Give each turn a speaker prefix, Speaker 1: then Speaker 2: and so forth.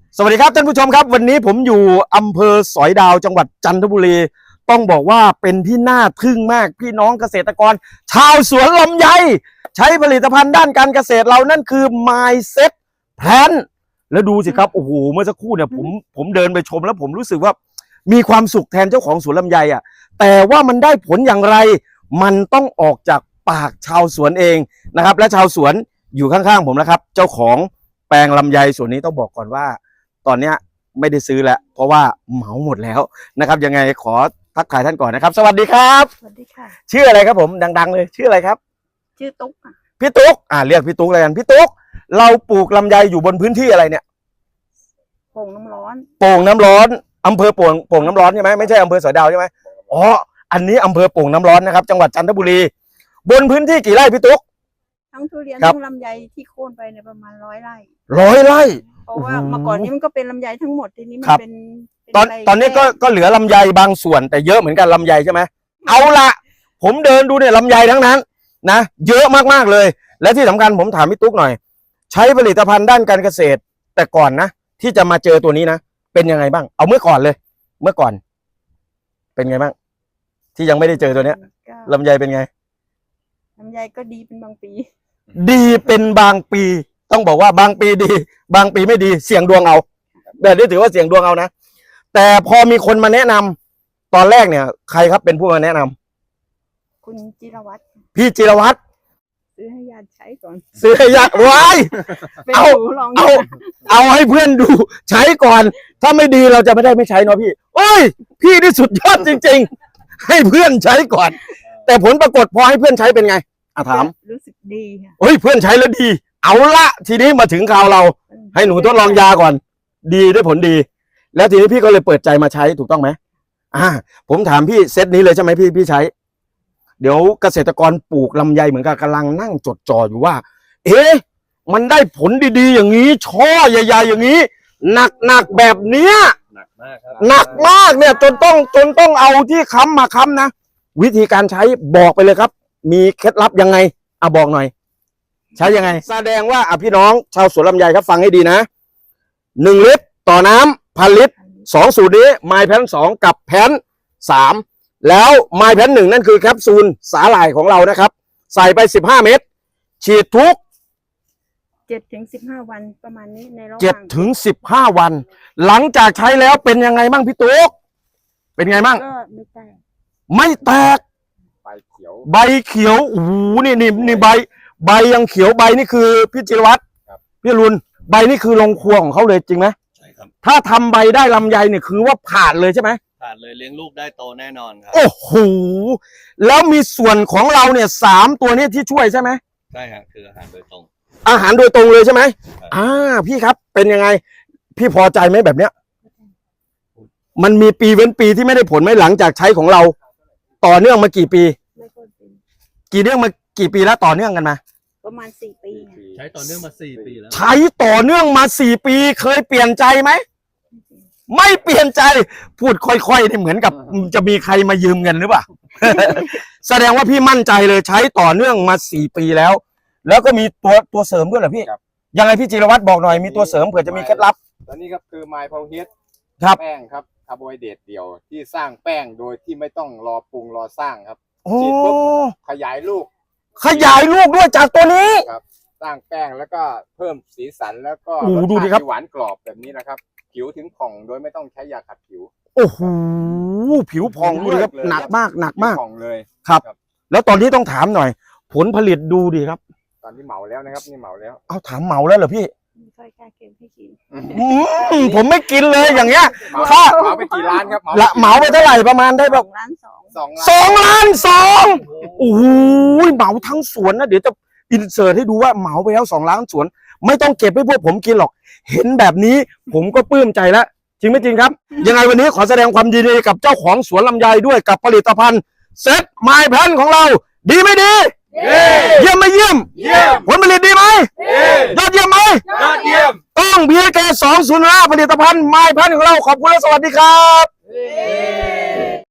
Speaker 1: สวัสดีครับท่านผู้ชมครับวันนี้ผมอยู่อำเภอสอยดาวจังหวัดจันทบุรีต้องบอกว่าเป็นที่น่าทึ่งมากพี่น้องเกษตรกรชาวสวนลำไยใช้ผลิตภัณฑ์ด้านการเกษตรเรานั่นคือ Mindset Plan แล้วดูสิครับโอ้โหเมื่อสักครู่เนี่ยผมเดินไปชมแล้วผมรู้สึกว่ามีความสุขแทนเจ้าของสวนลำไยอ่ะแต่ว่ามันได้ผลอย่างไรมันต้องออกจากปากชาวสวนเองนะครับและชาวสวนอยู่ข้างๆผมนะครับเจ้าของแปลงลำไยส่วนนี้ต้องบอกก่อนว่าตอนนี้ไม่ได้ซื้อแล้วเพราะว่าเหมาหมดแล้วนะครับยังไงขอทักทายท่านก่อนนะครับสวัสดีครับ
Speaker 2: สวัสดีค่ะ
Speaker 1: ชื่ออะไรครับผมดังๆเลยชื่ออะไรครับ
Speaker 2: ชื่อตุ๊กค่ะ
Speaker 1: พี่ตุ๊กเรียกพี่ตุ๊กเลยกันพี่ตุ๊กเราปลูกลำไยอยู่บนพื้นที่อะไรเนี่ย
Speaker 2: โป่งน้ำร้อน
Speaker 1: โป่งน้ำร้อนอำเภอโป่งน้ำร้อนใช่ไหมไม่ใช่อำเภอสอยดาวใช่ไหมอ๋ออันนี้อำเภอโป่งน้ำร้อนนะครับจังหวัดจันทบุรีบนพื้นที่กี่ไร่พี่ตุ๊ก
Speaker 2: ทั้งทุเรียนทั้งลำไยที่โค่นไปในประมาณ100 ไร่
Speaker 1: 100 ไร่
Speaker 2: เพราะว่าเมื่อก่อนนี้มันก็เป็นลำไยทั้งหมดทีนี้มันเป็น
Speaker 1: ตอนนี้ก็เหลือลำไยบางส่วนแต่เยอะเหมือนกันลำไยใช่ไหมเอาละผมเดินดูเนี่ยลำไยทั้งนั้นนะเยอะมากๆเลยและที่สำคัญผมถามพี่ตุ๊กหน่อยใช้ผลิตภัณฑ์ด้านการเกษตรแต่ก่อนนะที่จะมาเจอตัวนี้นะเป็นยังไงบ้างเอาเมื่อก่อนเลยเมื่อก่อนเป็นไงบ้างที่ยังไม่ได้เจอตัวเนี้ยลำไยเป็นไง
Speaker 2: ลำไยก็ดีเป็นบางปี
Speaker 1: ดีเป็นบางปีต้องบอกว่าบางปีดีบางปีไม่ดีเสี่ยงดวงเอาแบบนี้ถือว่าเสี่ยงดวงเอานะแต่พอมีคนมาแนะนำตอนแรกเนี่ยใครครับเป็นผู้มาแนะนำ
Speaker 2: คุณจิรวัตร
Speaker 1: พี่จิรวัตร
Speaker 2: ซื้อให้ญาติใช้ก่อน
Speaker 1: ซื้อให้ญาติไว้เอาให้เพื่อนดูใช้ก่อนถ้าไม่ดีเราจะไม่ได้ไม่ใช้เนาะพี่โอ้ยพี่นี่สุดยอดจริงๆให้เพื่อนใช้ก่อนแต่ผลปรากฏพอให้เพื่อนใช้เป็นไงถาม
Speaker 2: รู้สึกดีค่ะ
Speaker 1: เฮ้ยเพื่อนใช้แล้วดีเอาละทีนี้มาถึงคราวเราให้หนูทดลองยาก่อนดีได้ผลดีแล้วทีนี้พี่ก็เลยเปิดใจมาใช้ถูกต้องไหมผมถามพี่เซตนี้เลยใช่ไหมพี่ใช้เดี๋ยวเกษตรกรปลูกลำไยเหมือนกันกำลังนั่งจดจ่ออยู่ว่าเอ๊ะมันได้ผลดีๆอย่างนี้ช่อใหญ่ๆอย่างนี้หนักแบบเนี้ยหนักมากเนี่ยจนต้องเอาที่ค้ำมาค้ำนะวิธีการใช้บอกไปเลยครับมีเคล็ดลับยังไงบอกหน่อยใช้ยังไงแสดงว่าพี่น้องชาวสวนลำไยครับฟังให้ดีนะ1 ลิตรต่อน้ำ1,000 ลิตร2 สูตรนี้ไมล์แพน2กับแพน3แล้วไมล์แพน1นั่นคือแคปซูลสาหร่ายของเรานะครับใส่ไป15 เม็ดฉีดทุก
Speaker 2: 7 ถึง 15 วันประมาณนี้ในระหว่าง
Speaker 1: 7 ถึง 15 วันหลังจากใช้แล้วเป็นยังไงบ้างพี่ตุ๊กเป็นไงบ้าง
Speaker 2: ก็ไม่แตก
Speaker 1: ใบเขียวโอ้โหนี่ใบยังเขียวใบนี่คือพี่จิรวัตรพี่รุนใบนี่คือลงครัวของเขาเลยจริงไหม
Speaker 3: ใช่ครับ
Speaker 1: ถ้าทำใบได้ลำไยเนี่ยคือว่าผ่านเลยใช่ไหม
Speaker 3: ผ่านเลยเลี้ยงลูกได้โตแน่นอนครับ
Speaker 1: โอ้โหแล้วมีส่วนของเราเนี่ย3 ตัวนี้ที่ช่วยใช่ไหม
Speaker 3: ใช่ครับคืออาหารโดยตรง
Speaker 1: เลยใช่ไหมพี่ครับเป็นยังไงพี่พอใจไหมแบบเนี้ยมันมีปีเว้นปีที่ไม่ได้ผลไหมหลังจากใช้ของเราต่อเนื่องมากี่ปีกี่ปีแล้วต่อเนื่องกันมา
Speaker 2: ประมาณ4 ปี
Speaker 3: ใช้ต่อเนื่องมา4 ปีแล้ว
Speaker 1: ใช้ต่อเนื่องมา4 ปีเคยเปลี่ยนใจไหมไม่เปลี่ยนใจพูดค่อยๆนี่เหมือนกับจะมีใครมายืมเงินหรือเปล่า แสดงว่าพี่มั่นใจเลยใช้ต่อเนื่องมา4 ปีแล้วก็มีตัวเสริมด้วยเหรอพี่ยังไงพี่จิรวัตรบอกหน่อยมีตัวเสริมเผื่อจะมีเคล็ดลับ
Speaker 4: ตอนนี้ครับคือไมล์พาวเฮด
Speaker 1: แ
Speaker 4: ป้งครับคาร์โบไฮเดรตเดียวที่สร้างแป้งโดยที่ไม่ต้องรอปรุงรอสร้างครับฉีดปุ๊บขยายลูก
Speaker 1: ด้วยจากตัวนี้
Speaker 4: ครับสร้างแป้งแล้วก็เพิ่มสีสันแล้วก็
Speaker 1: ดูดิครับ
Speaker 4: หวานกรอบแบบนี้นะครับผิวถึงผ่องโดยไม่ต้องใช้ยาขัดผิว
Speaker 1: โอ้โหผิวผ่องดูดิครับหนักมาก
Speaker 4: ผ่องเลย
Speaker 1: ครับแล้วตอนนี้ต้องถามหน่อยผลผลิตดูดิครับ
Speaker 4: ตอนนี้เหมาแล้วนะครับนี่เหมาแล้ว
Speaker 1: เอาถามเหมาแล้วเหรอพี่
Speaker 2: ไม่ค่อยกล้าเก็บให้กิน
Speaker 1: ผมไม่กินเลยอย่างเงี้ย
Speaker 4: เหมาไปกี่ล้านครับ
Speaker 1: เหมาไปเท่าไหร่ประมาณได้แบบ2 ล้าน โอ้โหเหมาทั้งสวนนะเดี๋ยวจะอินเสิร์ตให้ดูว่าเหมาไปแล้ว2 ล้านสวนไม่ต้องเก็บให้พวกผมกินหรอกเห็นแบบนี้ผมก็ปลื้มใจแล้วจริงไม่จริงครับยังไงวันนี้ขอแสดงความยินดีกับเจ้าของสวนลำไยด้วยกับผลิตภัณฑ์เซ็ตไมล์แพนของเราดีไม่ดีเยี่ยมไม่เยี่ยมผลผลิตดีไหมยอดเยี่ยมไหมต้องPSK 205ผลิตภัณฑ์ไมล์แพนของเราขอบคุณและสวัสดีครับ